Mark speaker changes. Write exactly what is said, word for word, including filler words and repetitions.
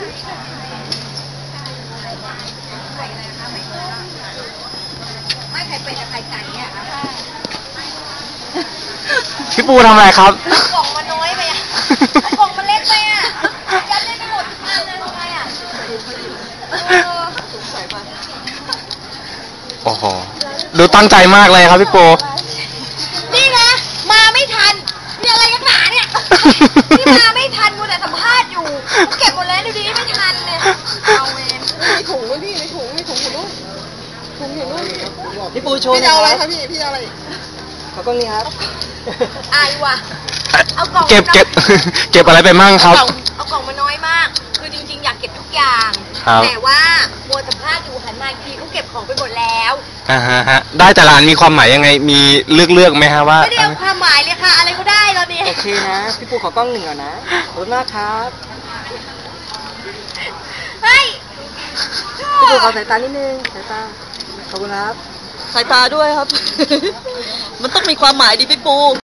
Speaker 1: ไม่ไข่เป็ดกับไข่ไก่เนี่ย
Speaker 2: พี่ปูทำอะไรครับ
Speaker 1: กล่องมันน้อยไปอ่ะกล่องมันเล็กไปอ่ะยัดได้ไม่หมดทานเลยทำไมอ่ะ
Speaker 2: โอ้โหดูตั้งใจมากเลยครับพี่ปู
Speaker 1: นี่นะมาไม่ทันมีอะไรกันหนาเนี่ยนี่มาไม่ทันกูแต่สัมภาษณ์อยู่เก็บหมดแล้วดูดิไม่ทันเลยเอาเอง
Speaker 3: มีถุงด้วยพี่มีถุงมีถุงอยู่นู่นถุงอยู่นู่น
Speaker 4: พี่ปูโชว์
Speaker 3: พี่เอาอะไรครับพี่พี่เอาอะไร
Speaker 4: ขอกล้องนี้ครับ
Speaker 1: อายว่ะเอากล่อง
Speaker 2: เก็บเก็บเก็บอะไรไปมั่งครับ
Speaker 1: เอากล่องมาน้อยมากคือจริงๆอยากเก็บทุกอย่างแต่ว่ามัวสัมภาษณ์อยู่หันมาอีกทีเขาเก็บของไปหมดแล้ว
Speaker 2: อ่าฮะได้แต่ละอันมีความหมายยังไงมีเลือกเลือกไหมฮะว่า
Speaker 1: ไม่ได้เอาความหมายเลยค่ะอะไรก็ได้ตอนนี้
Speaker 4: โอเคนะพี่ปูขอกล้องหนึ่งก่อนนะขอบคุณมากครับ
Speaker 1: เฮ้ย
Speaker 4: พี่ปูขอสายตานิดนึงสายตาขอบคุณครับสายตาด้วยครับมันต้องมีความหมายดิพี่ปู